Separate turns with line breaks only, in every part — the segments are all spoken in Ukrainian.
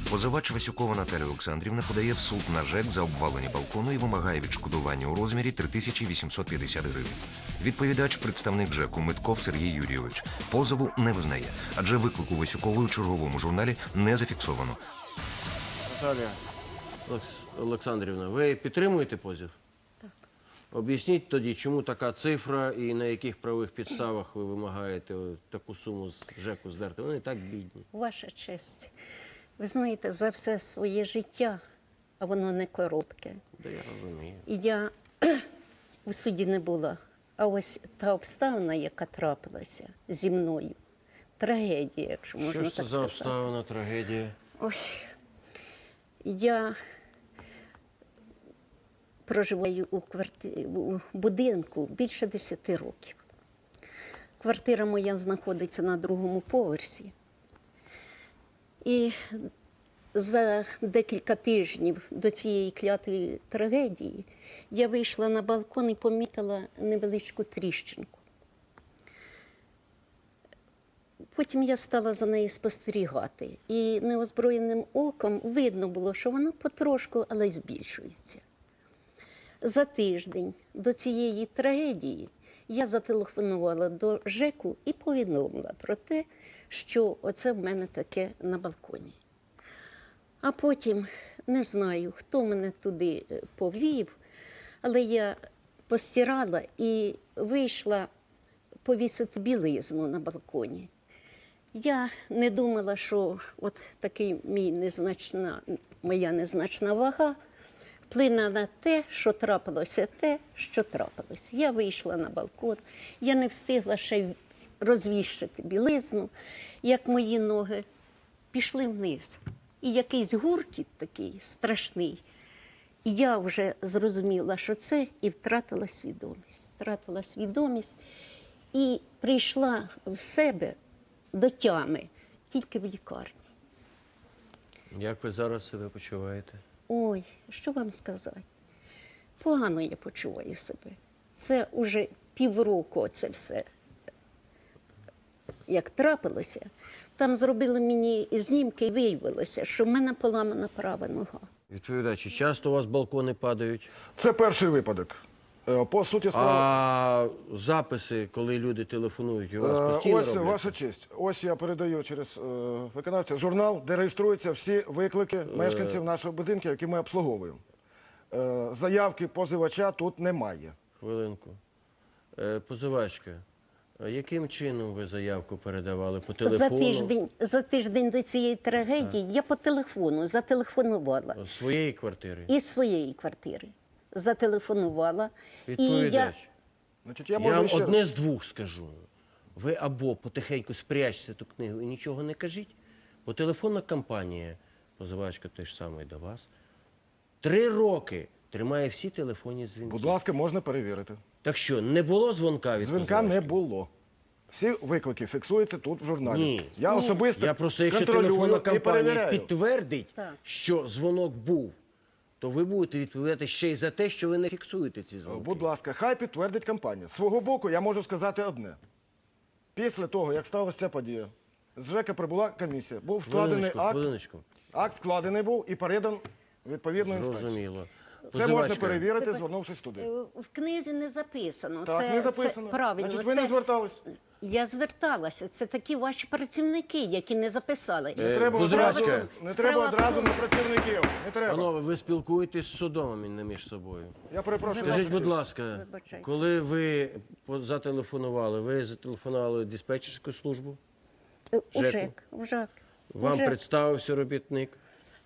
Позивач Васюкова Наталія Олександрівна подає в суд на ЖЕК за обвалення балкону і вимагає відшкодування у розмірі 3850 гривень. Відповідач, представник ЖЕКу Митков Сергій Юрійович, позову не визнає, адже виклику Васюкової у черговому журналі не зафіксовано.
Наталія Олександрівна, ви підтримуєте позов?
Так.
Об'ясніть тоді, чому така цифра і на яких правових підставах ви вимагаєте таку суму з ЖЕКу здерти? Вони так бідні.
Ваша честь, ви знаєте, за все своє життя, а воно не коротке.
Да, я розумію.
І я у суді не була. А ось та обставина, яка трапилася зі мною, трагедія, якщо можна
Що
так
ж це
сказати.
за обставина, трагедія?
Ой, я проживаю у будинку більше 10 років. Квартира моя знаходиться на другому поверсі. І за декілька тижнів до цієї клятої трагедії я вийшла на балкон і помітила невеличку тріщинку. Потім я стала за нею спостерігати. І неозброєним оком видно було, що вона потрошку, але й збільшується. За тиждень до цієї трагедії я зателефонувала до ЖЕКу і повідомила про те, що оце в мене таке на балконі. А потім, не знаю, хто мене туди повів, але я постирала і вийшла повісити білизну на балконі. Я не думала, що от такий моя незначна вага вплине на те, що трапилося те, що трапилось. Я вийшла на балкон, я не встигла ще розвішати білизну, як мої ноги пішли вниз. І якийсь гуркіт такий страшний. І я вже зрозуміла, що це, і втратила свідомість. Втратила свідомість і прийшла в себе до тями тільки в лікарні.
Як ви зараз себе почуваєте?
Ой, що вам сказати? Погано я почуваю себе. Це вже півроку це все, як трапилося. Там зробили мені знімки і виявилося, що в мене поламана права нога.
Відповідачі, часто у вас балкони падають?
Це перший випадок. По суті справи...
А записи, коли люди телефонують, у вас постійно
Ось,
робляться?
ваша честь, ось я передаю через виконавця журнал, де реєструються всі виклики мешканців нашого будинку, які ми обслуговуємо. Заявки позивача тут немає.
Хвилинку. Позивачка, а яким чином ви заявку передавали? По телефону?
За тиждень до цієї трагедії я по телефону зателефонувала.
З своєї квартири?
Із своєї квартири. Зателефонувала.
Відповідач.
Значить,
Я
можу
вам
ще раз.
одне з двох скажу. Ви або потихеньку спрячте ту книгу і нічого не кажіть, бо телефонна компанія, позивачка той ж самий до вас, 3 роки тримає всі телефонні дзвінки.
Будь ласка, можна перевірити.
Так що, не було дзвонка від
Дзвінка не
позивачки?
було. Всі виклики фіксуються тут в журналі.
Ні.
Я особисто
Я просто, якщо
контролюю
телефонна
і
компанія
перевіряю.
підтвердить,
Так.
що дзвонок був, то ви будете відповідати ще й за те, що ви не фіксуєте ці дзвонки.
Будь ласка, хай підтвердить компанія. З свого боку я можу сказати одне. Після того, як сталася ця подія, з ЖЕКа прибула комісія, був складений
Хвилиночку.
акт складений був і передан відповідну інстанцію.
Зрозуміло.
Це можна
Позивачка,
перевірити, звернувшись туди.
В книзі не записано.
Так, не записано.
Це правильно.
Значить, ви не звертались.
Я зверталася. Це такі ваші працівники, які не записали.
Не треба
позивачка.
одразу, не треба одразу на працівників. Не треба.
Панове, ви спілкуєтесь з судом, а не між собою.
Я перепрошую.
Скажіть,
вашу
будь
честь.
ласка,
Вибачайте.
коли ви ви зателефонували в диспетчерську службу?
У
ЖЕКу.
ЖЕК.
Вам представився робітник?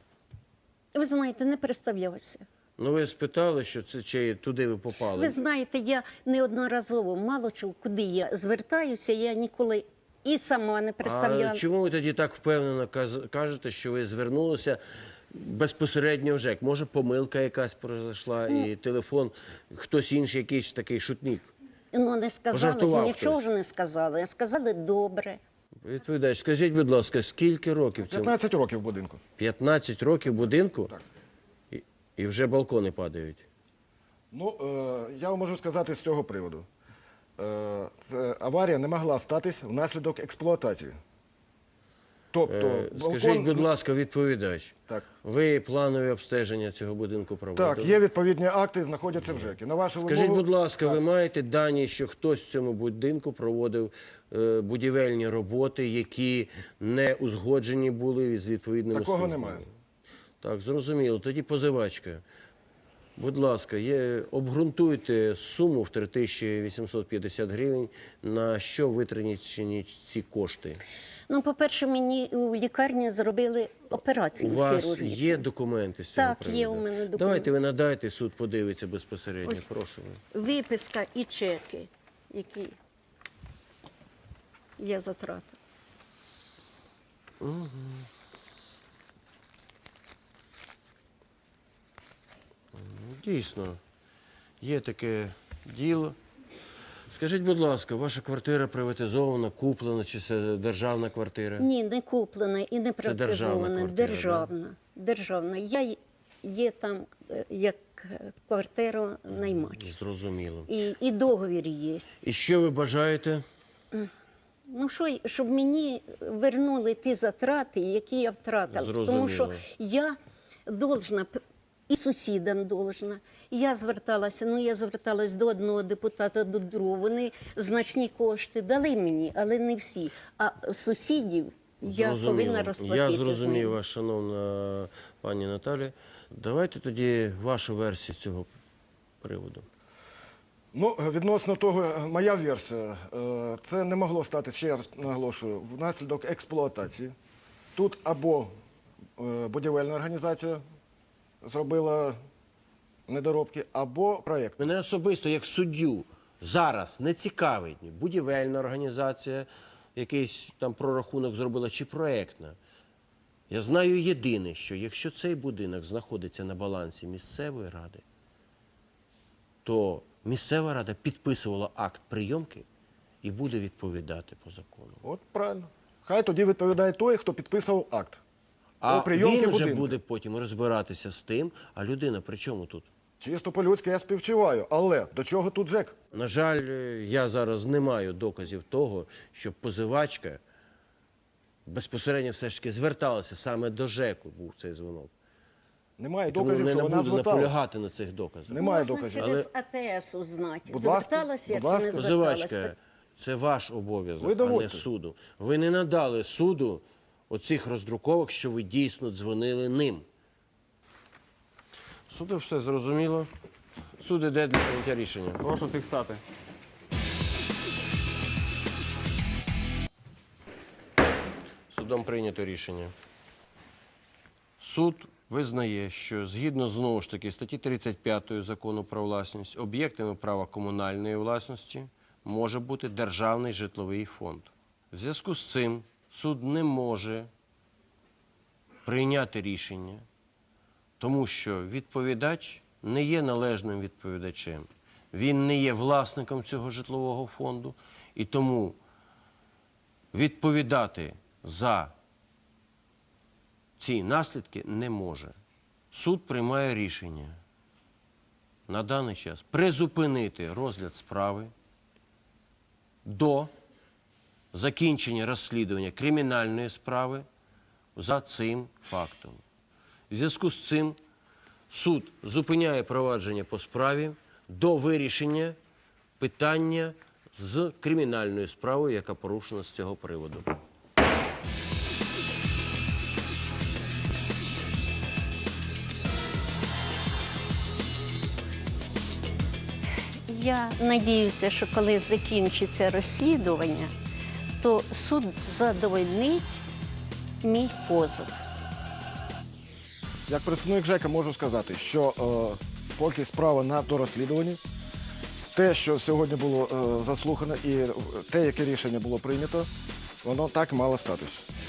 Ви знаєте, не представлявся.
Ну, ви спитали, що це чи туди ви попали?
Ви знаєте, я неодноразово, мало чого, куди я звертаюся, я ніколи і сама не представляла.
А чому ви тоді так впевнено кажете, що ви звернулися безпосередньо в ЖЕК? Може, помилка якась пройшла і телефон, хтось інший, якийсь такий шутник?
Ну, не сказали,
Пожартував
нічого
хтось.
ж не сказали. Сказали добре.
Відповідач, скажіть, будь ласка, скільки років цьому?
15 років в будинку.
15 років будинку?
Так.
І вже балкони падають.
Ну, я вам можу сказати з цього приводу. Аварія не могла статись внаслідок експлуатації. Тобто,
Скажіть, будь ласка, відповідач,
Так.
ви планові обстеження цього будинку проводили?
Так, є відповідні акти, знаходяться в ЖЕКі. На вашу
Скажіть,
вимогу...
будь ласка, ви маєте дані, що хтось в цьому будинку проводив будівельні роботи, які не узгоджені були з відповідними
Такого
службами?
немає.
Так, зрозуміло. Тоді позивачка. Будь ласка, обґрунтуйте суму в 3850 гривень, на що витрачені ці кошти.
Ну, по-перше, мені у лікарні зробили
У
операцію
вас
хірургічну.
є документи з цього
Так,
приводу?
є у мене документи.
Давайте ви надайте, суд подивиться безпосередньо,
Ось.
прошу.
Виписка і чеки, які я затратила.
Дійсно, є таке діло. Скажіть, будь ласка, ваша квартира приватизована, куплена, чи це державна квартира?
Ні, не куплена і не
Це державна
приватизована.
квартира,
Державна. Державна. Я є там як квартиру наймач.
Зрозуміло.
І договір є.
І що ви бажаєте?
Ну що, щоб мені вернули ті затрати, які я втратила.
Зрозуміло.
Тому що я должна, і сусідам должна. Я зверталась до одного депутата, до другого. Вони значні кошти дали мені, але не всі. А сусідів я повинна розплатитися
Я
з
зрозумів
ними.
вас, шановна пані Наталі. Давайте тоді вашу версію з цього приводу.
Ну, відносно того, моя версія, це не могло стати, ще раз наголошую, внаслідок експлуатації. Тут або будівельна організація зробила недоробки, або проєкт.
Мене особисто, як суддю, зараз не цікавить будівельна організація, якийсь там прорахунок зробила, чи проєктна. Я знаю єдине, що якщо цей будинок знаходиться на балансі місцевої ради, то місцева рада підписувала акт прийомки і буде відповідати по закону.
От правильно. Хай тоді відповідає той, хто підписував акт.
А
Про прийомки
він вже
будинку.
буде потім розбиратися з тим, а людина при чому тут?
Чисто по-людськи я співчуваю, але до чого тут ЖЕК?
На жаль, я зараз не маю доказів того, що позивачка безпосередньо все ж таки зверталася саме до ЖЕКу, був цей дзвонок.
Немає
Тому
доказів,
не
що вона
буду
зверталася.
наполягати на цих доказах.
Немає
Можна
доказів.
через АТС узнати,
Будь ласка,
зверталася я
будь
чи не
ласка.
зверталася.
Позивачка, це ваш обов'язок,
Ви
а не
доводьте.
суду. Ви не надали суду оцих роздруковок, що ви дійсно дзвонили ним. Суду все зрозуміло. Суд іде для прийняття рішення.
Прошу всіх стати.
Судом прийнято рішення. Суд визнає, що згідно знову ж таки статті 35 Закону про власність, об'єктами права комунальної власності може бути державний житловий фонд. В зв'язку з цим суд не може прийняти рішення, тому що відповідач не є належним відповідачем. Він не є власником цього житлового фонду, і тому відповідати за ці наслідки не може. Суд приймає рішення на даний час призупинити розгляд справи до закінчення розслідування кримінальної справи за цим фактом. В зв'язку з цим суд зупиняє провадження по справі до вирішення питання з кримінальною справою, яка порушена з цього приводу.
Я надіюся, що коли закінчиться розслідування, то суд задовольнить мій позов.
Як представник ЖЕКа можу сказати, що поки справа на дорозслідуванні, те, що сьогодні було заслухано, і те, яке рішення було прийнято, воно так мало статись.